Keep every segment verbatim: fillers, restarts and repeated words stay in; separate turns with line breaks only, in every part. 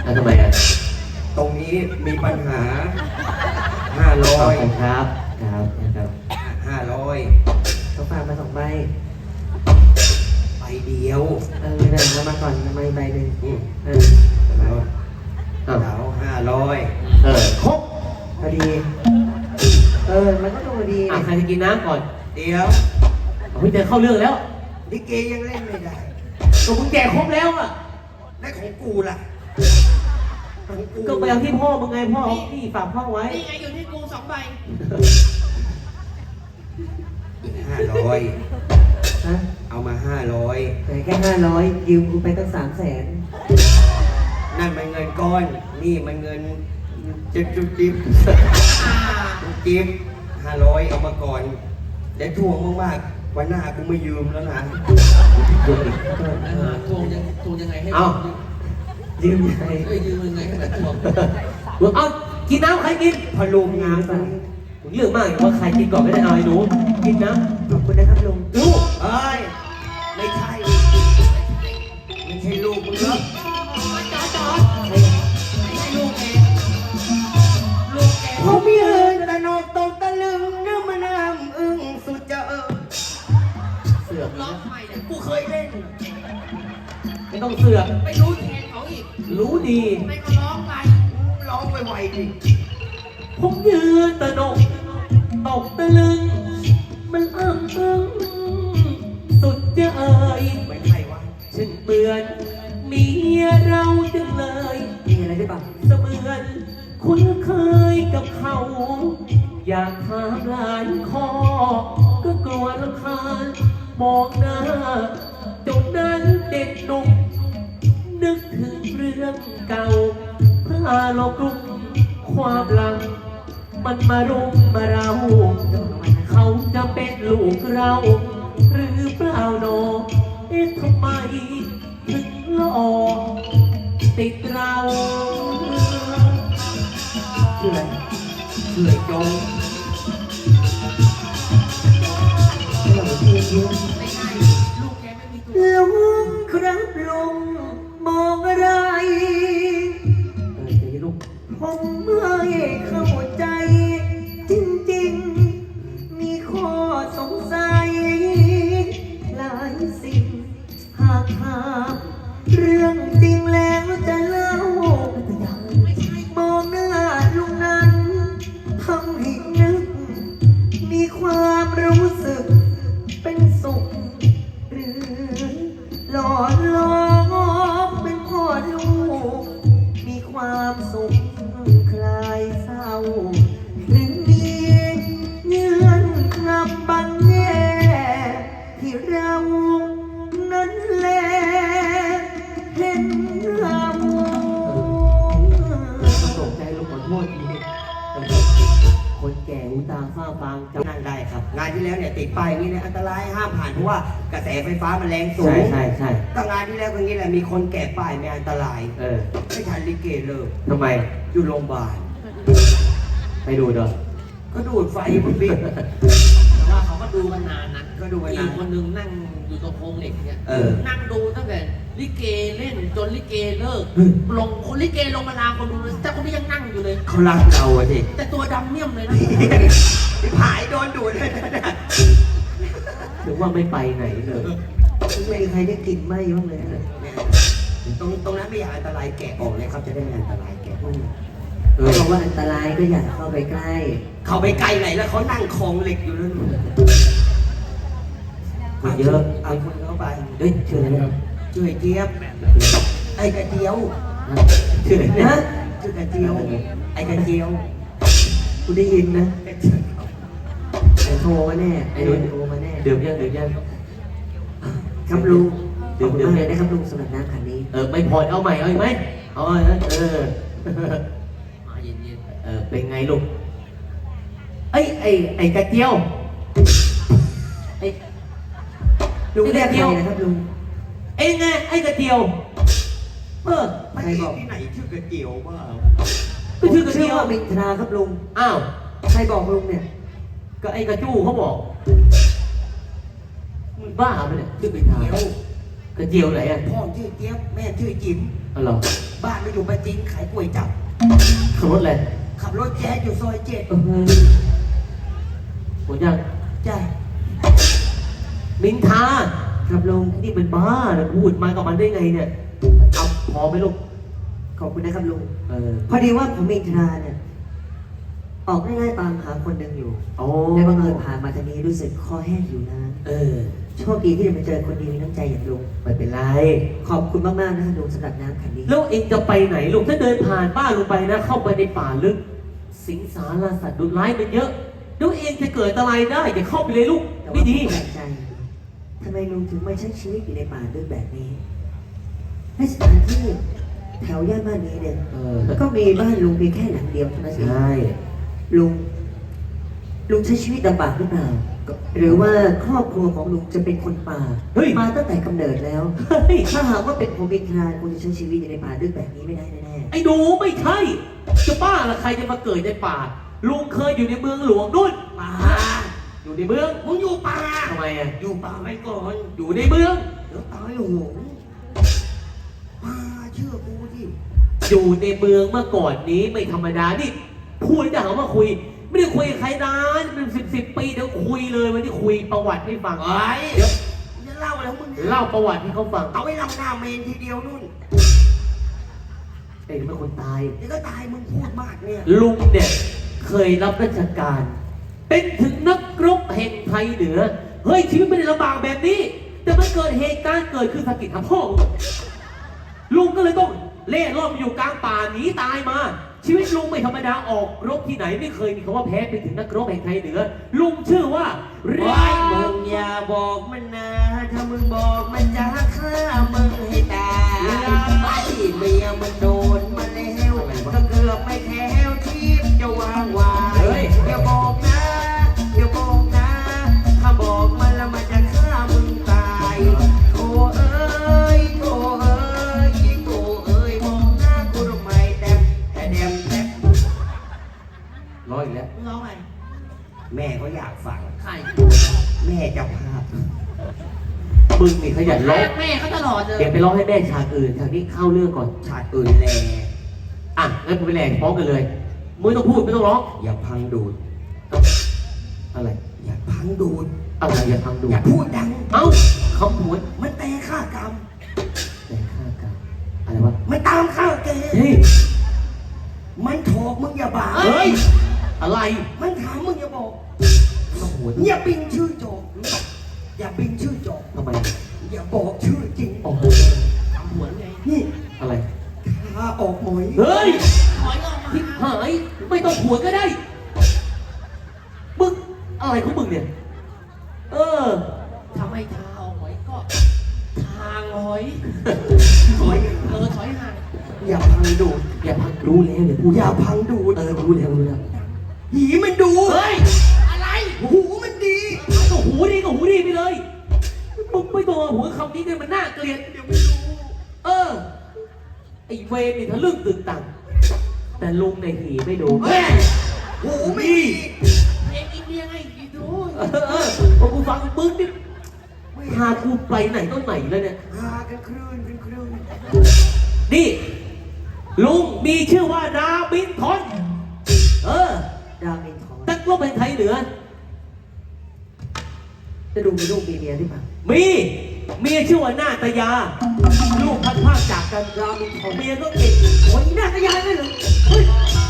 แล้วทำไมอ่ะ
ตรงนี้มีปัญหาห้าร้อย
ครับครับนะครับ
ห้าร้อย
เขาฝากมาสองใบ
ใบเดียว
เออเดี๋ยวมาก่อนทำไมใบหนึ่งเออ
แล้วห้าร้อย
เออครบพอดีเออมันก็ต้องพอดีอ่ะใครจะกินน้ำก่อน
เดี๋ยว
เฮ้ยจะเข้าเรื่องแล้ว
ลิเกยังเล่นไม่ได้
ก็มึงแก่ครบแล้วอ่ะ
ได้ของกูล่ะ
ก็ไปเอาที่พ่อมึงไงพ่อพี่ฝากพ่อไว้
นี่ไงอยู่ที่กูสองใบ
ห้าร้อย
ฮะ
เอามาห้าร้อย
แต่แค่ห้าร้อยยืมกูไปตั้งสามแสน
นั่นมันเงินก้อนนี่มันเงินจิ๊บจิ๊บจิ๊บจิ๊บห้าร้อยเอามาก่อนเดี๋ยวทวงมากๆวันหน้ากูไม่ยืมแล้วนะ
ทวงทวงยังทวงยังไงให้
เอายืมยังไง
เอ้ยยืมยังไงให้มันทวง
เอากินน้ำใครกิน
พอลุงงานตอน
นี้เรื่องมากว่าใครกินก่อนไม่ได้เอาไอ้หนูกินน้ำขอบคุณนะครับลุง
ลูกเอ้ยไม่ใช่ไม่ใช่ลูกมึงเหรอ
จอจอไม่ใช่ลูกเองลูกเอง
ผมยืนตะนกตกตะลึงเนื้อมันน้ำอึ้งสุดจะเออ
เสือก
ร้องใหม่เนี่ย
กูเคยเล่น
ไม่ต้องเสือก
ไม่รู้แทนเขาอีก
รู้ดี
ไม่ก็ร้องไป
ร้องไวๆดิ
ผมยืนตะนกตกตะลึงมันอ้ำอึ้งสุดจะเอ่ย
ไม่ใช่วะ
ฉันเบื่อเมียเราจังเลยมีอะไรได้บ้างเสมือนคุ้นเคยกับเขาอยากถามหลายข้อก็กลัวรำคาญมองหน้าจนนั้นเด็กหนุ่มนึกถึงเรื่องเก่าพาโลกลุ่มความหลังมันมารุมมาเราเขาจะเป็นลูกเราหรือเปล่าโนเอ๊ะทำไมถึงหล่อติดเราชื่ออะไร
ชื่อไอ้โจง
ไม่ใช่ลูกแกไม่มีตัว
ลุงครับลุงมองอะไรเออจะลุงผมไม่เข้าใจจริงๆมีข้อสงสัยหลายสิ่งหากถามเรื่องจริงแล้วจะเล่ามองหน้าลุงนั้นทำให้นึกมีความรู้สึกเป็นสุขหรือหล่อล้อมเป็นพ่อลูกมีความสุขคลายเศร้าหรือมีเงื่อนงำบังแง่ที่เรานั้นแลเห็นเราตกใจลูกขอโทษทีคนแก่หูตาฝ้าฟางจำ
นั่งได้ครับงานที่แล้วเนี่ยติดป้ายนี้เนี่ยอันตรายห้ามผ่านเพราะว่ากระแสไฟฟ้ามันแรงสูง
ใช่ใช่ใช่
ก็งานที่แล้วก็งี้แหละมีคนแก่ป้ายไม่อันตราย
เออ
ไม่ทันลิเกเลิก
ทำไม
อยู่โรงพยาบาล
ไปดูเด้อ
ก็ดูดไฟมันบิ๊ก
แต่ว่าเขาก็ดูกันนานนะ
ก็ดูกันนาน
คนนึงนั่งอยู่ตรงโค้งเหล็กเนี่ยนั่งดูตั้งแต่ลิเกเล่นจนลิเกเลิกลงคนลิเกลงมาลาคนดูเลยแต่คนนี้ยังนั่งอยู่เลย
เขารักเราอะสิ
แต่ตัวดำเมี่ยมเลยนะ
ผายโดนดูดเลยนะ
หรือว่าไม่ไปไหนเลยไม่มีใครได้กลิ่นไหม้บ้างเลย
ตรงตรงนั้นไม่อยากอันตรายแกะออกเลยครับจะได้ไม่อันตรายแกะ
เออเพราะว่าอันตรายก็อย่าเข้าไปใกล้
เข้าไปใกล้ไหนแล้วเขานั่งคลองเหล็กอยู่นั่น
คนเยอะ
เอาคนเข้าไป
เฮ้ยชื่ออะไรนะ
ชื่อไอ้เจี๊ยบไอ้กระเจียว
ชื่ออะไรนะ
ชื่อกระเจียวไอ้กระเจียว
กูได้ยินนะไอ้โทรมาแน่ไอ้โดนโทรมาแน่เดือดยังเดือดยังครับลุงเดือดเดือดเลยนะครับลุงสำหรับน้ำขันนี้เออไม่พอเอาใหม่เอาอีกไหมเอาเออ
มาเย็น
ๆเออเป็นไงลูกไอ้ไอ้ไอ้กระเจียวไอ้ลุงเรียกใครนะครับลุงเอ้ไงไอ้กระเจียวเออ
ใครบอกที่ไหนชื่อกระเจียวบ้า
ก็ชื่อกระเจียวมินทราครับลุงอ้าวใครบอกลุงเนี่ยก็ไอ้กระจู้เขาบอกมึงบ้าไปเนี่ยชื่อกระเจียวกระเจียวไหนอ่ะ
พ่อชื่อเจี๊ยบแม่ชื่อจิ๋ม
อ๋อเหรอ
บ้านเราอยู่ประจินขายก๋วยจั๊บ
ขับรถเลย
ขับรถแจ๊สอยู่ซอยเจ็ด
เออหมดยัง
จ้า
มินทาครับลุงนี่เป็นบ้านะพูดมากับมันได้ไงเนี่ยเอาพอไหมลูก
ขอบคุณนะครับลุง
เออ
พอดีว่าผมอินทราเนี่ยออกง่ายๆตามหาคนหนึ่งอยู่
โอ้
และบังเอิญผ่านมาทางนี้รู้สึกคอแห้งอยู่นะ
เออ
โชคดีที่ได้มาเจอคนดีมีน้ำใจอย่างลุง
ไม่เป็นไร
ขอบคุณมากๆนะครับลุงสำหรับน้ำขันนี้
แล้วเองจะไปไหนลูกถ้าเดินผ่านบ้านลงไปนะ เข้าไปในป่าลึก สิงสารสัตว์ดุร้ายมันเยอะแล้วเองจะเกิดอะไรได้อย่าเข้าไปเลยลูก
แต่ว่า
ไม่ดี
ผมแปลกใจทำไมลุงถึงมาใช้ชีวิตอยู่ในป่าลึกแบบนี้และสถานที่แถวย่านบ้านนี้เนี่ย
เออ
ก็มีบ้านลุงเพียงแค่หลังเดียวเท่านั้นเอง
ใช่
ลุง ลุงใช้ชีวิตลำบากหรือเปล่า หรือว่าครอบครัวของลุงจะเป็นคนป่า
เฮ้ย
มาตั้งแต่กำเนิดแล้ว
เฮ้ย
ถ้าหากว่าเป็นผมเป็นทนายคงจะใช้ชีวิตอยู่ในป่าลึกแบบนี้ไม่ได้แน่
ไอ้หนูไม่ใช่ จะบ้าละใครจะมาเกิดในป่า ลุงเคยอยู่ในเมืองหลวงนู่น
ป่า
อยู่ในเมือง
มึงอยู่ป่า
ทำไมอ่ะ
อยู่ป่าไว้ก่อน
อยู่ในเมือง
เดี๋ยวตายโหงป่าเชื่อกูดิ
อยู่ในเมืองเมื่อก่อนนี้ไม่ธรรมดา นี่พูดจะหาว่าคุย ไม่ได้คุยกับใครนานเป็นสิบสิบปีเดี๋ยวคุยเลยวันนี้คุยประวัติให้ฟัง
ไอ้
เดี๋ยว
จะเล่าอะไรของมึงเนี่ย
เล่าประวัติให้เขาฟัง
เอาไว้เล่าหน้าเมนทีเดียวนู่น
เองเป็นคนตาย
เดี๋ยวก็ตายมึงพูดมากเนี่ย
ลุงเนี่ยเคยรับราชการ เป็นถึงนักรบแห่งไทยเหนือ เฮ้ยชีวิตไม่ได้ลำบากแบบนี้ แต่มันเกิดเหตุการณ์เกิดขึ้นสะกิดทำพ่อมึงลุงก็เลยต้องเล่ร่อนอยู่กลางป่าหนีตายมา ชีวิตลุงไม่ธรรมดาออกรบที่ไหนไม่เคยมีคำว่าแพ้ไปถึงนักรบแห่งไทยเหนือ ลุงชื่อว่าเรี
ไอ้
ย
มึงอย่าบอกมันนะ ถ้ามึงบอกมันจะฆ่ามึงให้ตายไอ้เมียมันโดนมาแล้วก็เกือบไม่แค้วชีพจะวางวายอย่าบอกนะอย่าบอกนะ ถ้าบอกมันแล้วมันจะฆ่ามึงตายโธ่เอ้ยโธ่เอ้ยโธ่เอ้ยมองหน้ากูทำไมแดมแต่แดมแดม
ร้อยอีกแล้ว
มึงร้องไงแม่เขาอยากฟัง
ใคร
แม่เจ้าภาพ
มึงนี่ขยันร้อง
แม่เขาตลอดเลย
เดี๋ยวไปร้องให้แม่ฉากอื่นฉากนี้เข้าเรื่องก่อน
ชาติอื่นแล
อ่ะงั้นกูไปแหลกพร้อมกันเลยมึงไม่ต้องพูดไม่ต้องร้อง
อย่าพังดูด
อะไร
อย่าพังดูด
อะไรอย่าทำดู
อย่าพูดดัง
เอ้าคำพูด
มันแต่ฆ่ากรรม
แต่ฆ่ากันอะไรวะ
มันตามข้าวแก
เฮ้ย
มันโถกมึงอย่าบ่า
เฮ้ย อะไร
มันถามมึงอย่าบอก
คำพูด
อย่าปิงชื่อโจกอย่าปิงชื่อโจก
ทำไม
อย่าบอกชื่อจริง
โอ้โห
ทำเหมือนไงนี่
อะไร
พาออกหมอย
เฮ้ย
หมอยออกมา
ทิพหายไม่ต้องหัวก็ได้ มึงอะไรของมึงเนี่ย เออ
ทำไมทาออกหมอยก็ทางหอยหอยเออถอยห่างอย่าพังดูด
อย่าพังรู้แล้วเดี๋ยวพูด
อย่าพังดูด
เออรู้แล้วรู้แล้ว
หีมันดู
เฮ้ย
อะไร หูมันดี
ก็หูดีก็หูดีไปเลย มึงไม่ต้องเอาหัวคำนี้เลยมันน่าเกลียด
เดี๋ยวไม่รู้
เออ ไอ้เวรนี่ทะลึ่งตึงตัง แต่ลุงในหีไม่ดู
เฮ้ยหูไม่ดี
เพลงอินเดียไงอีดูเออเออพอกูฟังมึงนี่พากูไปไหนต้นไหนแล้วเนี่ย
หากันคลื่นกันคลื่น
นี่ ลุงมีชื่อว่าดาบินทอนเออ
ๆดาวเมนทอง
นักรบแห่งไทยเหนือ
จะดูมีลูกมีเมียหรือเปล่า
มีเมียชื่อว่านาตยา ลูกพัดภาคจากกันรามินทองเมียก็เก่งโอ้ยนาตยาเลยเหรอเฮ้ย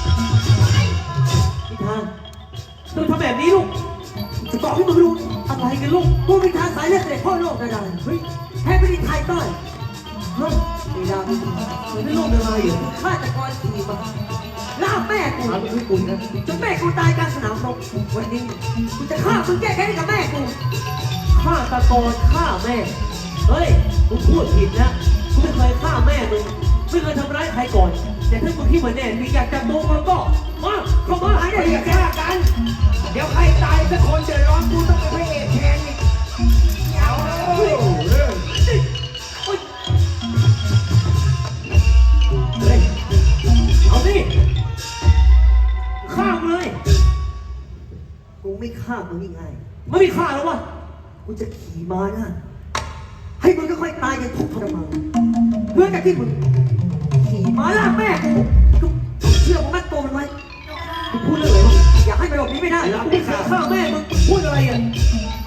พิธาต้องทำแบบนี้ลูก
จะบอกให้มึงรู้
อะไรกันลูก
กูเป็นทางสายเลือดเด็กพ่อโลกกระดานเฮ้ยแพ้ไปที่ไทยต้อยเฮ้ยมีดาวมีทอง
ไม่ลูกเป็นอะไรเหรอ
ฆาตกรขี่มาล่าแม่กู
ถามลูกคุณนะ
จนแม่กูตายกลางสนามรบวันนี้กูจะฆ่ามึงแก้แค้นให้กับแม่กู
ฆ่าตะโกนฆ่าแม่ เฮ้ยมึงพูดผิดนะกูไม่เคยฆ่าแม่มึงไม่เคยทำร้ายใครก่อน แต่ถ้ามึงที่เหมือนแน่มีอยากจับตัวมันก็มาเข้ามา
หายได้อย่าแก้กัน เดี๋ยวใครตายสักคนเดือดร้อนกูต้องเป็นพระเอกแทนอีกเอาเลย
เฮ้ยเอาสิฆ่ามึงเลย
กูไม่ฆ่ามึงง่าย
ไม่มีฆ่าแล้ววะ
ๆกูจะขี่ม้าหน้าให้มึงค่อยๆตายอย่างทุกข์ทรมานเพื่อกับที่มึงขี่ม้ามาลากแม่กูกูเชื่อผมมัดตัวมันไว้
มึงพูดเรื่องอะไรวะ
อยากให้มันหลบหนีไม่ได้
ไอ้รับไม่ฆ่าฆ่าแม่มึงพูดอะไรอ่ะ